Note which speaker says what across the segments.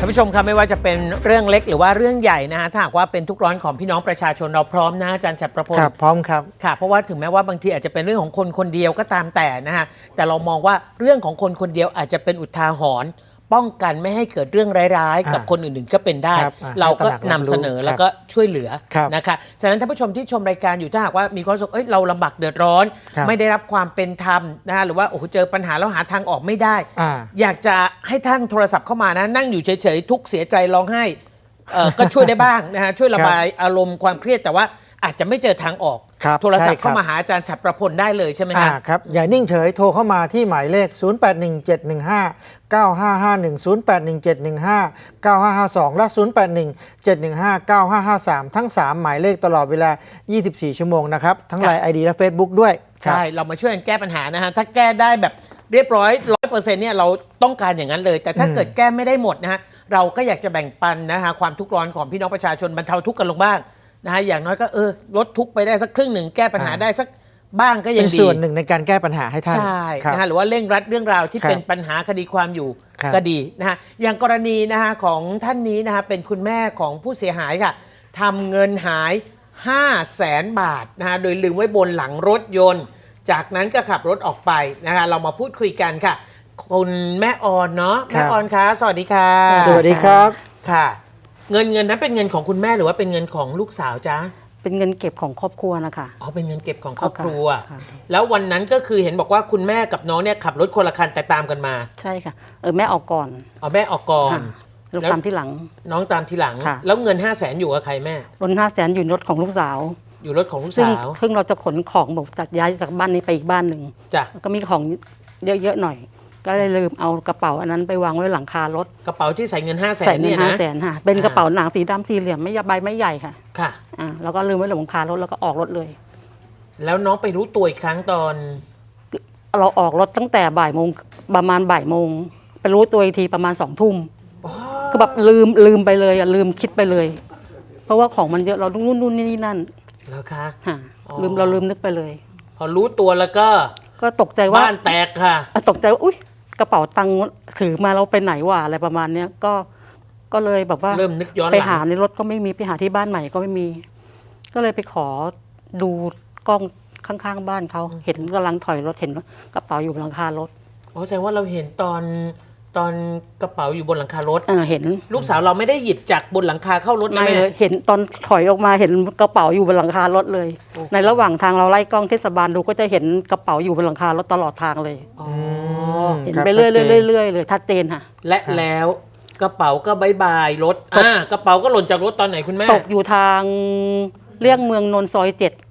Speaker 1: ท่านผู้ชมครับไม่ว่าจะเป็นเรื่องเล็กหรือว่าเรื่องใหญ่นะฮะถ้าหากว่าเป็นทุกร้อนของพี่น้องประชาชนเราพร้อมนะอาจารย์ฉัตรประพล
Speaker 2: ครับพร้อมครับ
Speaker 1: ค่ะเพราะว่าถึงแม้ว่าบางทีอาจจะเป็นเรื่องของคนคนเดียวก็ตามแต่นะฮะแต่เรามองว่าเรื่องของคนคนเดียวอาจจะเป็นอุทาหรณ์ป้องกันไม่ให้เกิดเรื่องร้ายๆกับคนอื่นๆก็เป็นได้เราก็นำเสนอแล้วก็ช่วยเหลือนะคะฉะนั้นท่านผู้ชมที่ชมรายการอยู่ถ้าหากว่ามีความรู้สึกเราลำบากเดือดร้อนไม่ได้รับความเป็นธรรมนะฮะหรือว่าโอ้โหเจอปัญหาแล้วหาทางออกไม่ได้อยากจะให้ท่านโทรศัพท์เข้ามานะนั่งอยู่เฉยๆทุกข์เสียใจร้องไห้ก็ช่วยได้บ้างนะฮะช่วยระบายอารมณ์ความเครียดแต่ว่าอาจจะไม่เจอทางออกโทรศัพท์เข้ามาหาอาจารย์ฉัตรประพลได้เลยใช่ไหม
Speaker 2: ครับอย่านิ่งเฉยโทรเข้ามาที่หมายเลข 0817159551 0817159552 และ 0817159553 ทั้ง 3 หมายเลขตลอดเวลา 24 ชั่วโมงนะครับทั้งไลน์ ID และ Facebook ด้วย
Speaker 1: ใช่เรามาช่วยกันแก้ปัญหานะฮะถ้าแก้ได้แบบเรียบร้อย 100% เนี่ยเราต้องการอย่างนั้นเลยแต่ถ้าเกิดแก้ไม่ได้หมดนะฮะเราก็อยากจะแบ่งปันนะฮะความทุกข์ร้อนของพี่น้องประชาชนบรรเทาทุกข์กันลงบ้างนะฮะอย่างน้อยก็ลดทุกข์ไปได้สักครึ่งหนึ่งแก้ปัญหาได้สักบ้างก็ยังดี
Speaker 2: เป็นส่วนหนึ่งในการแก้ปัญหาให้ท่าน
Speaker 1: ใช่นะฮะหรือว่าเร่งรัดเรื่องราวที่เป็นปัญหาคดีความอยู่ก็ดีนะฮะอย่างกรณีนะฮะของท่านนี้นะฮะเป็นคุณแม่ของผู้เสียหายค่ะทำเงินหาย 500,000 บาทนะฮะโดยลืมไว้บนหลังรถยนต์จากนั้นก็ขับรถออกไปนะคะเรามาพูดคุยกันค่ะคุณแม่ออนเนาะแม่ออนคะสวัสดีค่ะ
Speaker 2: สวัสดีครับ
Speaker 1: ค่ะเงินนั้นเป็นเงินของคุณแม่หรือว่าเป็นเงินของลูกสาวจ๊ะ
Speaker 3: เป็นเงินเก็บของครอบครัวนะคะ
Speaker 1: อ๋อเป็นเงินเก็บของครอบครัวแล้ววันนั้นก็คือเห็นบอกว่าคุณแม่กับน้องเนี่ยขับรถคนละคันแต่ตามกันมา
Speaker 3: ใช่ค่ะแม่ออกก่อน
Speaker 1: แม่ออกก่อน
Speaker 3: ลูกตามที่หลัง
Speaker 1: น้องตามทีหลังแล้วเงิน 500,000 อยู่กับใครแม่
Speaker 3: รถ500,000อยู่รถของลูกสาว
Speaker 1: อยู่รถของลูกสาว
Speaker 3: ซึ่งเราจะขนของบอกจากย้ายจากบ้านนี้ไปอีกบ้านหนึ่ง
Speaker 1: จ้ะ
Speaker 3: ก็มีของเยอะๆหน่อยก็เลยลืมเอากระเป๋าอันนั้นไปวางไว้หลังคารถ
Speaker 1: กระเป๋าที่ใส่เงิน 500,000
Speaker 3: ใส่เงิน500,000ค่ะเป็นกระเป๋าหนังสีดำสี่เหลี่ยมใบไม่ใหญ่ค่ะ
Speaker 1: ค่ะ
Speaker 3: แล้วก็ลืมไว้หลังคารถแล้วก็ออกรถเลย
Speaker 1: แล้วน้องไปรู้ตัวอีกครั้งตอน
Speaker 3: เราออกรถตั้งแต่บ่ายโมงประมาณบ่ายโมงไปรู้ตัวอีกทีประมาณ2 ทุ่มก็แบบลืมไปเลยลืมคิดไปเลยเพราะว่าของมันเยอะเราต้องนู่นนี่นั่น
Speaker 1: แล้วคะ
Speaker 3: เราลืมนึกไปเลย
Speaker 1: พอรู้ตัวแล้วก็
Speaker 3: ตกใจว่า
Speaker 1: บ้านแตกค่ะ
Speaker 3: ตกใจว่าอุ๊ยกระเป๋าตังค์ถือมาเราไปไหนวะอะไรประมาณเนี้ยก็เลยแบบว่า
Speaker 1: เริ่มนึกย้อน
Speaker 3: ไปหาในรถก็ไม่มีไปหาที่บ้านใหม่ก็ไม่มี ก็เลยไปขอดูกล้องข้างๆบ้านเขาเห็นกำลังถอยรถเห็นกระเป๋าอยู่บนหลังคารถ
Speaker 1: แสดงว่าเราเห็นตอนกระเป๋าอยู่บนหลังคารถ
Speaker 3: เห็น
Speaker 1: ลูกสาวเราไม่ได้หยิบจากบนหลังคาเข้ารถนะแม่
Speaker 3: เห็นตอนถอยออกมาเห็นกระเป๋าอยู่บนหลังคารถเลยในระหว่างทางเราไล่กล้องเทศบาลดูก็จะเห็นกระเป๋าอยู่บนหลังคารถตลอดทางเลยเห็นไปเรื่อยเลยชัดเจนค่ะ
Speaker 1: และแล้วกระเป๋าก็บายบายรถกระเป๋าก็หล่นจากรถตอนไหนคุณแม่
Speaker 3: ตกอยู่ทางเลี่ยงเมืองนนท์ซอย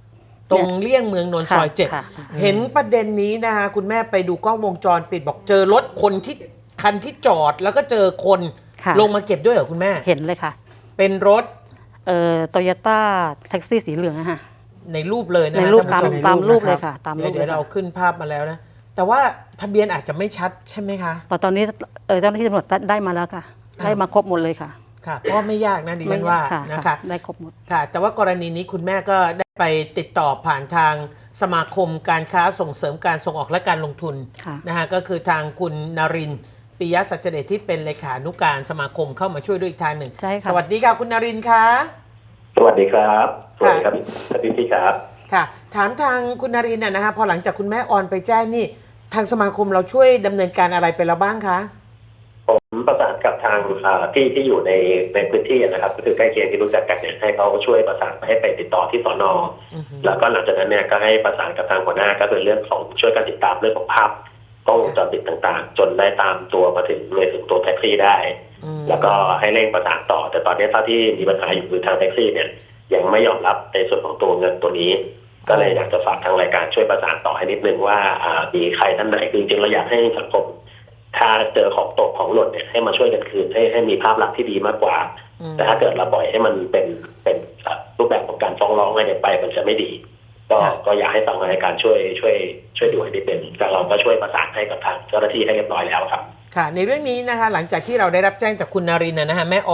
Speaker 3: 7
Speaker 1: ตรงเลี่ยงเมืองนนท์ซอย7เห็นประเด็นนี้นะคะคุณแม่ไปดูกล้องวงจรปิดบอกเจอรถคันที่จอดแล้วก็เจอคนลงมาเก็บด้วยเหรอคุณแม่
Speaker 3: เห็นเลยค่ะ
Speaker 1: เป็นรถ
Speaker 3: โตโยต้าแท็กซี่สีเหลืองอะค่ะ
Speaker 1: ในรูปเลยนะ
Speaker 3: ในรูปตามรูปเลยค่ะตามรูป
Speaker 1: เดี๋ยวเราขึ้นภาพมาแล้วนะแต่ว่าทะเบียนอาจจะไม่ชัดใช่ไหมคะ
Speaker 3: ตอนนี้เจ้าหน้าที่ตำรวจได้มาแล้วค่ะได้มาครบหมดเลยค่ะ
Speaker 1: ค่ะเพราะไม่ยากนะดิฉันว่านะคะ
Speaker 3: ได้ครบหมด
Speaker 1: ค่ะแต่ว่ากรณีนี้คุณแม่ก็ได้ไปติดต่อผ่านทางสมาคมการค้าส่งเสริมการส่งออกและการลงทุนนะคะก็คือทางคุณนรินทร์ปิยะสัจเดชที่เป็นเลขานุการสมาคมเข้ามาช่วยด้วยอีกทางหนึ่งสวัสดีค่ะคุณนรินทร์ค่ะ
Speaker 4: สวัสดีครับสวัสดีครับพี่ครับ
Speaker 1: ค่ะถามทางคุณนรินทร์นะคะพอหลังจากคุณแม่ออนไปแจ้งนี่ทางสมาคมเราช่วยดำเนินการอะไรไปแล้วบ้างคะ
Speaker 4: ผมประสานกับทางที่อยู่ในพื้นที่นะครับก็คือใกล้เคียงที่รู้จักกันเนี่ยให้เขาช่วยประสานให้ไปติดต่อที่สน.แล้วก็หลังจากนั้นเนี่ยก็ให้ประสานกับทางหัวหน้าก็คือเรื่องของช่วยกันติดตามเรื่องของภาพกล้องวงจรปิดต่างๆจนได้ตามตัวมาถึงตัวแท็กซี่ได้แล้วก็ให้เร่งประสานต่อแต่ตอนนี้เท่าที่มีปัญหาอยู่คือทางแท็กซี่เนี่ยยังไม่ยอมรับในส่วนของตัวเงินตัวนี้ก็เลยอยากจะฝากทางรายการช่วยประสานต่อให้นิดนึงว่ามีใครท่านไหนจริงๆเราอยากให้สังคมถ้าเจอของตกของหล่นเนี่ยให้มาช่วยกันคืนให้มีภาพลักษณ์ที่ดีมากกว่าแต่ถ้าเกิดเราปล่อยให้มันเป็นรูปแบบของการฟ้องร้องอะไรไปมันจะไม่ดีก็อยากให้ทางรายการช่วยดูให้ดีเป็นแต่เราก็ช่วยประสานให้กับทางเจ้าหน้าที่ให้เรียบร้อยแล้วครับ
Speaker 1: ค่ะในเรื่องนี้นะคะหลังจากที่เราได้รับแจ้งจากคุณนรินทร์นะฮะแม่ออน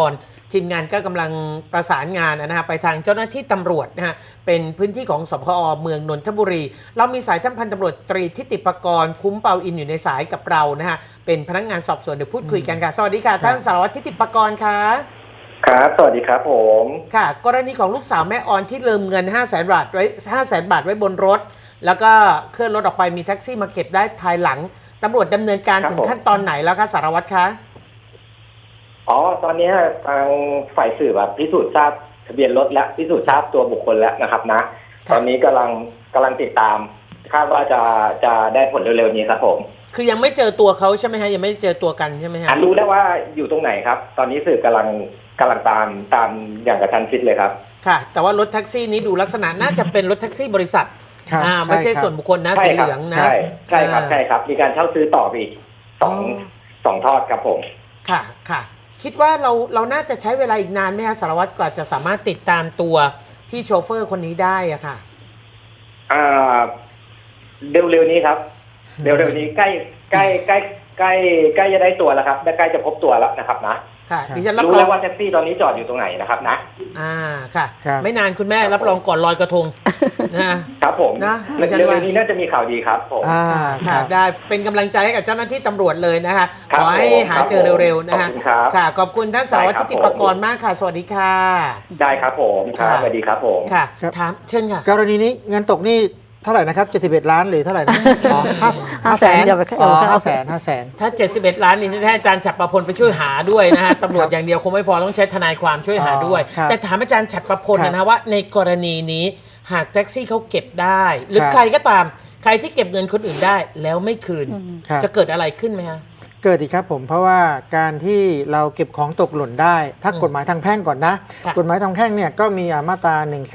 Speaker 1: ทีมงานก็กำลังประสานงานนะฮะไปทางเจ้าหน้าที่ตำรวจนะฮะเป็นพื้นที่ของสพอเมืองนนทบุรี เรามีสายท่านพันตำรวจตรีทิติปกรณ์คุ้มเปาอินอยู่ในสายกับเรานะฮะเป็นพนักงานสอบสวนเดี๋ยวพูดคุยกันค่ะสวัสดีค่ะท่านสารวัตรทิติปกรณ์ค่ะ
Speaker 4: ครับสวัสดีครับผม
Speaker 1: ค่ะกรณีของลูกสาวแม่ออนที่ลืมเงิน 500,000 บาทไว้ 500,000 บาทไว้บนรถ แล้วก็เคลื่อนรถออกไปมีแท็กซี่มาเก็บได้ภายหลังตำรวจดำเนินการถึงขั้นตอนไหนแล้วคะสารวัตรคะ
Speaker 4: ตอนนี้ทางฝ่ายสืบพิสูจน์ทราบทะเบียนรถและพิสูจน์ทราบตัวบุคคลแล้วนะครับนะตอนนี้กำลังติดตามคาดว่าจะได้ผลเร็วๆนี้ครับผม
Speaker 1: คือยังไม่เจอตัวเขาใช่ไหมฮะยังไม่เจอตัวกันใช่ไหมฮะ
Speaker 4: รู้แล้วว่าอยู่ตรงไหนครับตอนนี้สืบกำลังตามอย่างกระชั้นชิดเลยครับ
Speaker 1: ค่ะแต่ว่ารถแท็กซี่นี้ดูลักษณะน่าจะเป็นรถแท็กซี่บริษัทไม่ใช่ส่วนบุคคลนะสีเหลืองนะ
Speaker 4: ใช่ครับมีการเช่าซื้อต่ออีกสองทอดครับผม
Speaker 1: ค่ะคิดว่าเราน่าจะใช้เวลาอีกนานไหมคะสารวัตรกว่าจะสามารถติดตามตัวที่โชเฟอร์คนนี้ได้อะค่ะ
Speaker 4: เร็วๆนี้ครับเร็วๆนี้ใกล้จะได้ตัวแล้วครับใกล้จะพบตัวแล้วนะครับนะ
Speaker 1: ค่ะดิฉันรับ
Speaker 4: รู้แล้วว่าแท็กซี่ตอนนี้จอดอยู่ตรงไหนนะครับนะ
Speaker 1: ค่ะไม่นานคุณแม่รับรองก่อนลอยกระทง
Speaker 4: นะครับผมนะเร็วๆนี้น่าจะมีข่าวดีครับผม
Speaker 1: ค่ะได้เป็นกำลังใจให้กับเจ้าหน้าที่ตำรวจเลยนะคะขอให้หาเจอเร็วๆนะคะค่ะขอบคุณท่านสารวัตรทิติปกรณ์มากค่ะสวัสดีค่ะ
Speaker 4: ได้ครับผมครับสวัสดีครับผม
Speaker 1: ค่ะถามเชิญค่ะ
Speaker 2: กรณีนี้เงินตกนี่เท่าไหร่นะครับ71 ล้านหรือเท่าไหร่นะ500,000ถ้
Speaker 1: า71 ล้านนี่จะให้อาจารย์ฉัตรประพลไปช่วยหาด้วยนะฮะตำรวจอย่างเดียวคงไม่พอต้องใช้ทนายความช่วยหาด้วยแต่ถามอาจารย์ฉัตรประพลนะว่าในกรณีนี้หากแท็กซี่เขาเก็บได้หรือใครก็ตามใครที่เก็บเงินคนอื่นได้แล้วไม่คืนจะเกิดอะไรขึ้นไหมฮะ
Speaker 2: เกิดอีกครับผมเพราะว่าการที่เราเก็บของตกหล่นได้ถ้ากฎหมายทางแพ่งก่อนนะกฎหมายทางแพ่งเนี่ยก็มีมาตรา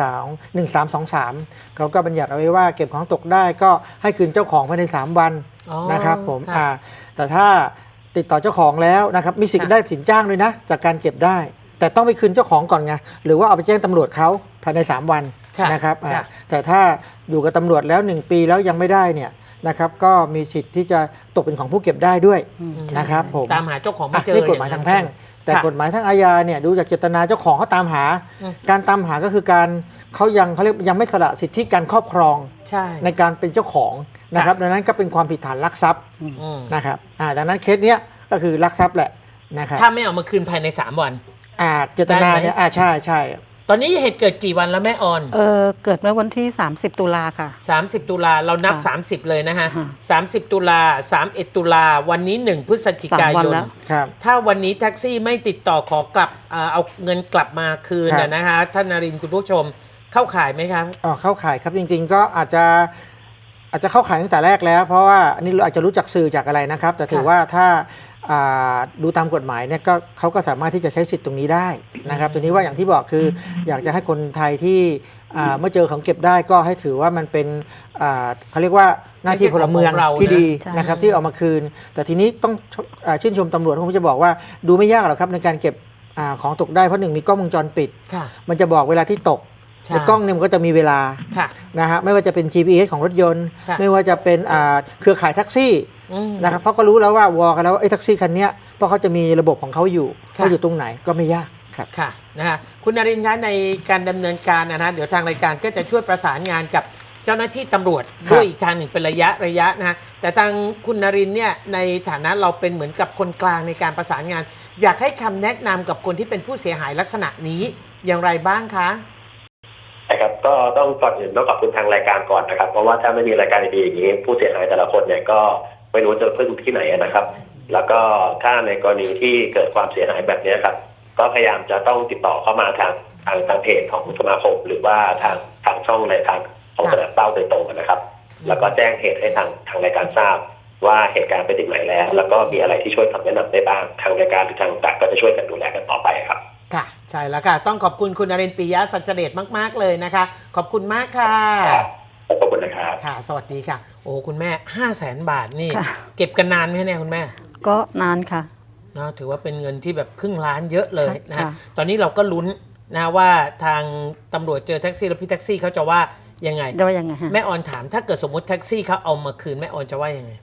Speaker 2: 1323เขาก็บัญญัติเอาไว้ว่าเก็บของตกได้ก็ให้คืนเจ้าของภายใน3 วันนะครับผมแต่ถ้าติดต่อเจ้าของแล้วนะครับมีสิทธิ์ได้สินจ้างด้วยนะจากการเก็บได้แต่ต้องไปคืนเจ้าของก่อนไงหรือว่าเอาไปแจ้งตำรวจเขาภายใน3 วันนะครับแต่ถ้าอยู่กับตำรวจแล้ว1 ปีแล้วยังไม่ได้เนี่ยนะครับก็มีสิทธิ์ที่จะตกเป็นของผู้เก็บได้ด้วยนะครับผม
Speaker 1: ตามหาเจ้าของไม่เจอ
Speaker 2: นี่กฎหมายทางแพ่งแต่กฎหมายทางอาญาเนี่ยดูจากเจตนาเจ้าของเขาตามหาการตามหาก็คือการเขาเรียกยังไม่สละสิทธิการครอบครองในการเป็นเจ้าของนะครับดังนั้นก็เป็นความผิดฐานลักทรัพย์นะครับดังนั้นเคสเนี้ยก็คือลักทรัพย์แหละนะครับ
Speaker 1: ถ้าไม่เอามาคืนภายใน3 วัน
Speaker 2: เจตนาเนี่ยใช่
Speaker 1: ตอนนี้เหตุเกิดกี่วันแล้วแม่ออน
Speaker 3: เกิดเมื่อวันที่30 ตุลาค่ะ
Speaker 1: 30 ตุลาเรานับ30เลยนะฮะ30 ตุลา31 ตุลาวันนี้1 พฤศจิกายนถ้าวันนี้แท็กซี่ไม่ติดต่อขอกลับเอาเงินกลับมาคืนนะคะท่านนรินทร์คุณผู้ชมเข้าข่ายไหมครับ
Speaker 2: เข้าข่ายครับจริงๆก็อาจจะเข้าข่ายตั้งแต่แรกแล้วเพราะว่าอันนี้เราอาจจะรู้จักสื่อจากอะไรนะครับแต่ถือว่าถ้าดูตามกฎหมายเนี่ยก็เขาก็สามารถที่จะใช้สิทธิ์ตรงนี้ได้นะครับตัวนี้ว่าอย่างที่บอกคืออยากจะให้คนไทยที่เมื่อเจอของเก็บได้ก็ให้ถือว่ามันเป็นเขาเรียกว่าหน้าที่พลเมืองที่ดีนะครับที่เอามาคืนแต่ทีนี้ต้องชื่นชมตำรวจผมจะบอกว่าดูไม่ยากหรอกครับในการเก็บของตกได้เพราะ1 มีกล้องวงจรปิดมันจะบอกเวลาที่ตกในกล้องเนี่ยมันก็จะมีเวลานะฮะไม่ว่าจะเป็น GPS ของรถยนต์ไม่ว่าจะเป็นเครือข่ายแท็กซี่นะครับเพราะก็รู้แล้วว่าวอกันแล้วไอ้แท็กซี่คันนี้เพราะเขาจะมีระบบของเขาอยู่เขาอยู่ตรงไหนก็ไม่ยากครับ
Speaker 1: ค่ะนะฮะคุณนรินทร์คะในการดำเนินการนะเดี๋ยวทางรายการก็จะช่วยประสานงานกับเจ้าหน้าที่ตำรวจด้วยอีกทางหนึ่งเป็นระยะนะฮะแต่ทางคุณนรินทร์เนี่ยในฐานะเราเป็นเหมือนกับคนกลางในการประสานงานอยากให้คำแนะนำกับคนที่เป็นผู้เสียหายลักษณะนี้อย่างไรบ้างคะ
Speaker 4: ครับก็ต้องก่อนอื่นต้องขอบคุณทางรายการก่อนนะครับเพราะว่าถ้าไม่มีรายการดีๆอย่างนี้ผู้เสียหายแต่ละคนเนี่ยก็ไม่รู้จะพึ่งที่ไหนนะครับแล้วก็ถ้าในกรณีที่เกิดความเสียหายแบบนี้ครับก็พยายามจะต้องติดต่อเข้ามาทางเพจของสมาคมหรือว่าทางช่องในทางของสนามเป้าโดยตรงนะครับแล้วก็แจ้งเหตุให้ทางรายการทราบว่าเหตุการณ์ไปถึงไหนแล้วก็มีอะไรที่ช่วยคำแนะนำได้บ้างทางรายการหรือทางต่างก็จะช่วยกันดูแลกันต่อไปครับ
Speaker 1: ค่ะใช่แล้วค่ะต้องขอบคุณคุณนรินทร์ ปิยะสัจเดชมากๆเลยนะคะขอบคุณมากค่ะ
Speaker 4: ขอบคุณนะครับ
Speaker 1: ค่ะสวัสดีค่ะโอ้คุณแม่ 500,000 บาทนี่เก็บกันนานไหมเนี่ยคุณแม่
Speaker 3: ก็นานค่ะ
Speaker 1: นะถือว่าเป็นเงินที่แบบครึ่งล้านเยอะเลยนะตอนนี้เราก็ลุ้นนะว่าทางตำรวจเจอแท็กซี่แล้วพี่แท็กซี่เขาจะว่ายังไง
Speaker 3: แม่
Speaker 1: ออนถามถ้าเกิดสมมติแท็กซี่เขาเอามาคืนแม่ออนจะว่ายังไง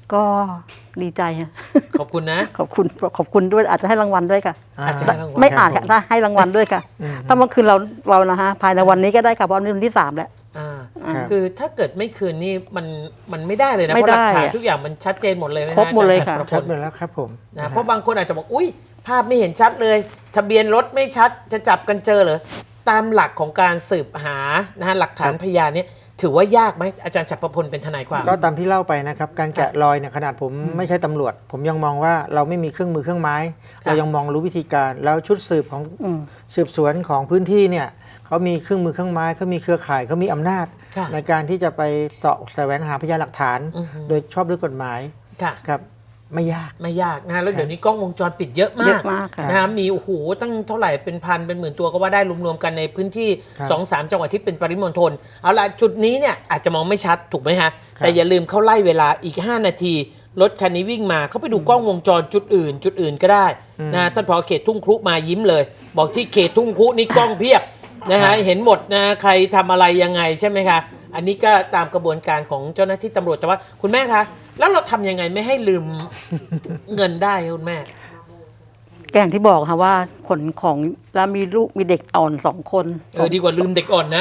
Speaker 3: ก็ดีใจค่ะ
Speaker 1: ขอบคุณนะ
Speaker 3: ขอบคุณด้วยอาจจะให้รางวัลด้วยค่ะ
Speaker 1: อาจจะให้รางวัล
Speaker 3: ไม่อาจค่ะถ้าให้รางวัลด้วยค่ะ ถ้าเมื่อคืนเรานะฮะภายในวันนี้ก็ได้ค่ะเพราะวันนี้วันที่3แล้ว
Speaker 1: อ่า
Speaker 2: ครับ
Speaker 1: คือถ้าเกิดไม่คืนนี่มันไม่ได้เลยนะ
Speaker 3: ไม่
Speaker 1: เพราะหลักฐาน
Speaker 3: ได้อะ
Speaker 1: ทุกอย่างมันชัดเจนหมดเลยไหมฮะ
Speaker 3: ครบหมดเลย
Speaker 1: อาจาร
Speaker 3: ค่ะ
Speaker 1: ประพ
Speaker 2: ชัด
Speaker 1: ล
Speaker 2: ไปแล้วครับผม
Speaker 1: นะเพราะบางคนอาจจะบอกอุ้ยภาพไม่เห็นชัดเลย ทะเบียนรถไม่ชัดจะจับกันเจอเหรอตามหลักของการสืบหานะฮะหลักฐานพยานเนี่ยถือว่ายากไหมอาจารย์จักรพลเป็นทนายความ
Speaker 2: ก็ตามที่เล่าไปนะครับการแกะรอยเนี่ยขนาดผมไม่ใช่ตำรวจ ผมยังมองว่าเราไม่มีเครื่องมือเครื่องไม้ เรายังมองรู้วิธีการแล้วชุดสืบของสืบสวนของพื้นที่เนี่ยเขามีเครื่องมือเครื่องไม้เขามีเครือข่ายเขามีอำนาจ
Speaker 1: ค่ะ
Speaker 2: ในการที่จะไปเสาะแสวงหาพยานหลักฐาน โดยชอบด้วยกฎหมาย
Speaker 1: ค่ะ
Speaker 2: ครับไม่ยาก
Speaker 1: ไม่ยากนะฮะแล้วเดี๋ยวนี้กล้องวงจรปิดเยอะมา
Speaker 3: เย
Speaker 1: ก
Speaker 3: อะมากค่ะ
Speaker 1: นะฮะมีโอ้โหตั้งเท่าไหร่เป็นพันเป็นหมื่นตัวก็ว่าได้รวมๆกันในพื้นที่
Speaker 2: ครับ
Speaker 1: 2-3 จังหวัดที่เป็นปริมณฑลเอาละจุดนี้เนี่ยอาจจะมองไม่ชัดถูกไหมฮะ
Speaker 2: ครับ
Speaker 1: แต่อย่าลืมเขาไล่เวลาอีก 5 นาทีรถคันนี้วิ่งมาเขาไปดูกล้องวงจรจุดอื่นก็ได้นะท่านผอเขตทุ่งครุมายิ้มเลย บอกที่เขตทุ่งครุนี่กล้องเพียบนะฮะเห็นหมดนะใครทำอะไรยังไงใช่ไหมคะอันนี้ก็ตามกระบวนการของเจ้าหน้าที่ตำรวจแต่ว่าคุณแม่คะแล้วเราทำยังไงไม่ให้ลืม เงินได้คะคุณแม่
Speaker 3: แกอย่างที่บอกค่ะว่าขนของแล้วมีลูกมีเด็กอ่อน2 คน
Speaker 1: ดีกว่าลืมเด็กอ่อนนะ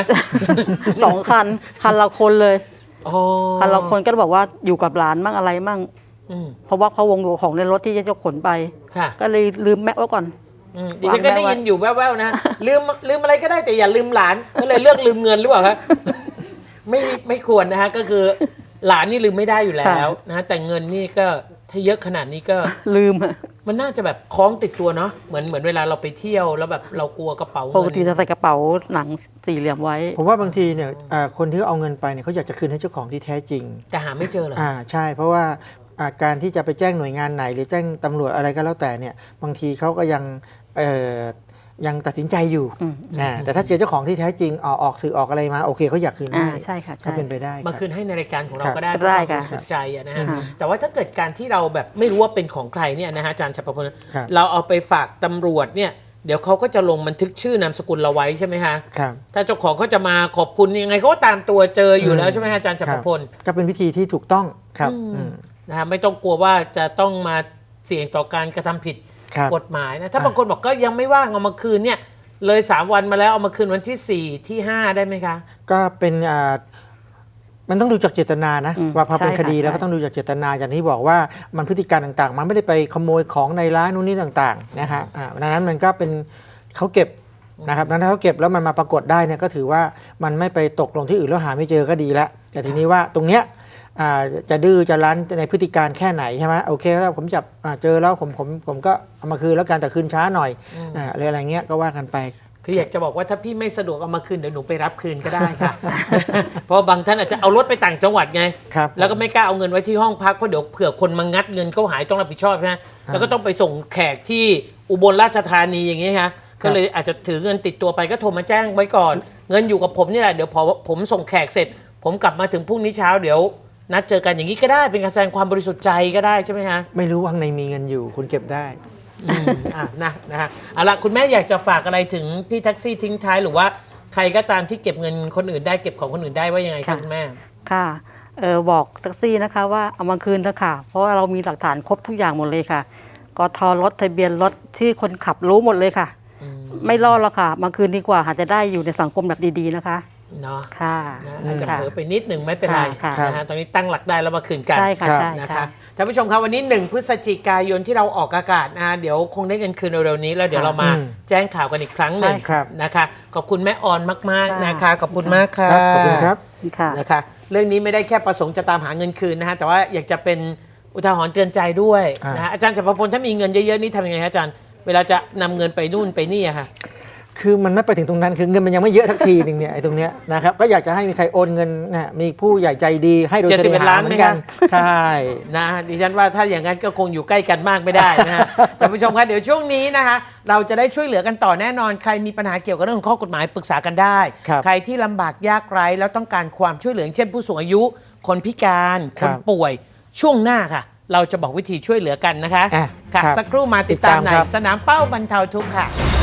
Speaker 3: 2 คันละคนเลย
Speaker 1: อ๋อ
Speaker 3: คันละคนก็บอกว่าอยู่กับหลานมั่งอะไรมั่ง
Speaker 1: อืม
Speaker 3: เพราะว่าเขาวงของในรถที่จะขนไป
Speaker 1: ค่ะ
Speaker 3: ก็เลยลืมแม็กไว้ก่อน
Speaker 1: ดิฉันก็ได้ยินอยู่แว่วๆนะ ลืมอะไรก็ได้แต่อย่าลืมหลานก็เลยเลือกลืมเงินหรือเปล่าครับ ไม่ควรนะฮะก็คือหลานนี่ลืมไม่ได้อยู่แล้วนะฮะแต่เงินนี่ก็ถ้าเยอะขนาดนี้ก็
Speaker 3: ลืมอะ
Speaker 1: มันน่าจะแบบคล้องติดตัวเนาะเหมือนเวลาเราไปเที่ยวแล้วแบบเรากลัวกระเป๋า
Speaker 3: ป
Speaker 1: เงิ
Speaker 3: กติจะใส่กระเป๋าหนัง4 เหลี่ยมไว้
Speaker 2: ผมว่าบางทีเนี่ยคนที่เอาเงินไปเนี่ยเขาอยากจะคืนให้เจ้าของที่แท้จริง
Speaker 1: แต่หาไม่เจอเหรอ
Speaker 2: ใช่เพราะว่าการที่จะไปแจ้งหน่วยงานไหน หรือแจ้งตำรวจอะไรก็แล้วแต่เนี่ยบางทีเขาก็ยังตัดสินใจอยู่แต่ถ้าเจอเจ้าของที่แท้จริงออกสื่อออกอะไรมาโอเคเขาอยากคืนให้
Speaker 3: ใช่ค่ะใช่
Speaker 2: ถ้าเป็นไปได้
Speaker 1: มา
Speaker 2: รับ
Speaker 1: คืนให้ในรายการของเรา
Speaker 2: ครับ
Speaker 1: ก็ได้
Speaker 3: ได้
Speaker 1: เพื่อความ
Speaker 3: ค่ะ
Speaker 1: บริสุทธิ์ใจอะนะฮะ
Speaker 3: ค่ะ
Speaker 1: แต่ว่าถ้าเกิดการที่เราแบบไม่รู้ว่าเป็นของใครเนี่ยนะฮะอาจารย์ชัยประพล
Speaker 2: ครับ
Speaker 1: เราเอาไปฝากตำรวจเนี่ยเดี๋ยวเขาก็จะลงบันทึกชื่อนามสกุลเราไว้ใช่ไหมฮะ
Speaker 2: ครับ
Speaker 1: ถ้าเจ้าของเขาจะมาขอบคุณยังไงเขาก็ตามตัวเจออยู่แล้วใช่ไหมฮะอาจารย์ชัยประพล
Speaker 2: ก็เป็นวิธีที่ถูกต้องครับอืม
Speaker 1: นะฮะไม่ต้องกลัวว่าจะต้องมาเสี่ยงต่อการกระทำผิด
Speaker 2: ครับ
Speaker 1: กฎหมายนะถ้าบางคนบอกก็ยังไม่ว่างเอามาคืนเนี่ยเลย3 วันมาแล้วเอามาคืนวันที่4ที่5ได้ไหมคะ
Speaker 2: ก็เป็นมันต้องดูจากเจตนานะ ว่าพอเป็น
Speaker 3: ใช่
Speaker 2: คดี
Speaker 3: ค่ะ
Speaker 2: แล้วก็ต้องดูจากเจตนาอย่างที่บอกว่ามันพฤติการต่างๆ มันไม่ได้ไปขโมยของในร้านนู่นนี่ต่างๆนะฮะดังนั้นมันก็เป็นเขาเก็บนะครับดังนั้นเขาเก็บแล้วมันมาปรากฏได้เนี่ยก็ถือว่ามันไม่ไปตกลงที่อื่นแล้วหาไม่เจอก็ดีแล้วแต่ทีนี้ว่าตรงเนี้ยจะดื้อจะรั้นในพฤติการแค่ไหนใช่ไหมโอเคถ้าผมจับเจอแล้วผมก็เอามาคืนแล้วกันแต่คืนช้าหน่อยอะไรเงี้ยก็ว่ากันไป
Speaker 1: คืออยากจะบอกว่าถ้าพี่ไม่สะดวกเอามาคืนเดี๋ยวหนูไปรับคืนก็ได้ค่ะ เพราะบางท่านอาจจะเอารถไปต่างจังหวัดไง
Speaker 2: ครับ
Speaker 1: แล้วก็ไม่กล้าเอาเงินไว้ที่ห้องพักเพราะเดี๋ยวเผื่อคนมางัดเงินเขาหายต้องรับผิดชอบใช่ไหมแล้วก็ต้องไปส่งแขกที่อุบลราชธานีอย่างนี้ค่ะก็เลยอาจจะถือเงินติดตัวไปก็โทรมาแจ้งไว้ก่อน เงินอยู่กับผมนี่แหละเดี๋ยวพอผมส่งแขกเสร็จ ผมกลับมาถึงพรุ่งนี้เช้าเดี๋ยวนัดเจอกันอย่างนี้ก็ได้เป็นการแสดงความบริสุทธิ์ใจก็ได้ใช่ไหมฮะ
Speaker 2: ไม่รู้ว่าข้างในมีเงินอยู่คุณเก็บได้
Speaker 1: นะฮะเอาละคุณแม่อยากจะฝากอะไรถึงพี่แท็กซี่ทิ้งท้ายหรือว่าใครก็ตามที่เก็บเงินคนอื่นได้เก็บของคนอื่นได้ว่ายังไงคะคุณแม่
Speaker 3: ค่ะบอกแท็กซี่นะคะว่าเอามาคืนเถอะค่ะ เพราะว่าเรามีหลักฐานครบทุกอย่างหมดเลยค่ะกทรถทะเบียนรถที่คนขับรู้หมดเลยค่ะ ไม่รอดหรอกค่ะ มาคืนดีกว่าหาจะได้อยู่ในสังคมแบบดีๆนะคะ
Speaker 1: เนาะ
Speaker 3: ค่ะ
Speaker 1: นะอาจจะ
Speaker 3: ค่ะ
Speaker 1: เผลอไปนิดหนึ่งไม่เป็นไร
Speaker 3: ค่ะ
Speaker 1: นะฮะตอนนี้ตั้งหลักได้แล้วมาคืนกัน
Speaker 3: ใช่ค่ะ
Speaker 2: ครับ
Speaker 3: ใช่
Speaker 1: นะ
Speaker 3: ค่ะ
Speaker 1: คะท่านผู้ชมครับวันนี้1 พฤศจิกายนที่เราออกอากาศนะเดี๋ยวคงได้เงินคืนเร็วๆนี้แล้วเดี๋ยวเรามาแจ้งข่าวกันอีกครั้งหนึ่ง
Speaker 2: ได้ครับ
Speaker 1: นะคะขอบคุณแม่ออนมากๆนะคะขอบคุณมากค่ะ
Speaker 2: ครับขอบคุณครับ
Speaker 3: ค่ะ
Speaker 1: นะคะเรื่องนี้ไม่ได้แค่ประสงค์จะตามหาเงินคืนนะฮะแต่ว่าอยากจะเป็นอุทาหรณ์เตือนใจด้วยนะฮะอาจารย์จักรพลถ้ามีเงินเยอะๆนี่ทำยังไงฮะอาจารย์เวลาจะนำเงินไปนู่นไปนี่อะค่ะ
Speaker 2: คือมันไม่ไปถึงตรงนั้นคือเงินมันยังไม่เยอะทักทีหนึงเนี่ยไอ้ตรงเนี้ยนะครับก็อยากจะให้มีใครโอนเงินนะมีผู้ใหญ่ใจดีให้โดยเฉลี่ย
Speaker 1: 71ล้าน
Speaker 2: เหมือนกัน
Speaker 1: ไหมคะ
Speaker 2: ใช่
Speaker 1: นะดิฉันว่าถ้าอย่างนั้นก็คงอยู่ใกล้กันมากไม่ได้นะฮะ ท่านผู้ชมคะเดี๋ยวช่วงนี้นะคะเราจะได้ช่วยเหลือกันต่อแน่นอนใครมีปัญหาเกี่ยวกับเรื่องของข้อกฎหมายปรึกษากันได้
Speaker 2: ครับ
Speaker 1: ใครที่ลำบากยากไร้แล้วต้องการความช่วยเหลืออย่างเช่นผู้สูงอายุ คนพิการค
Speaker 2: ครั
Speaker 1: น
Speaker 2: บ
Speaker 1: ป่วยช่วงหน้าค่ะ เราจะบอกวิธีช่วยเหลือกันนะคะ
Speaker 2: อ่ะ
Speaker 1: ค่ะ
Speaker 2: ครับ
Speaker 1: สักครู่มาติดตาม
Speaker 2: ติดตาม
Speaker 1: ใน
Speaker 2: ครับ
Speaker 1: สนามเป้าบรรเทาทุกข์ค่ะ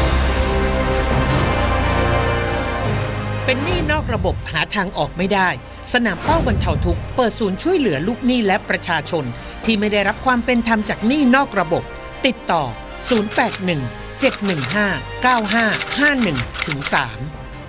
Speaker 1: เป็นหนี้นอกระบบหาทางออกไม่ได้ สนามเป้าบรรเทาทุกข์เปิดศูนย์ช่วยเหลือลูกหนี้และประชาชนที่ไม่ได้รับความเป็นธรรมจากหนี้นอกระบบติดต่อ 081-715-9551-3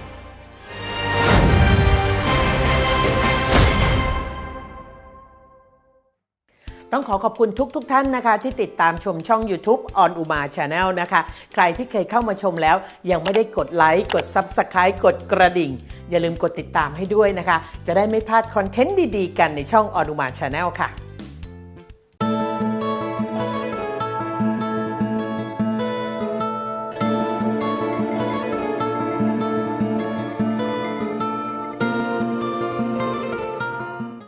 Speaker 1: ต้องขอบคุณทุกท่านนะคะที่ติดตามชมช่อง YouTube On Uma Channel นะคะใครที่เคยเข้ามาชมแล้วยังไม่ได้กดไลค์กด Subscribe กดกระดิ่งอย่าลืมกดติดตามให้ด้วยนะคะจะได้ไม่พลาดคอนเทนต์ดีๆกันในช่อง On Uma Channel ค่ะ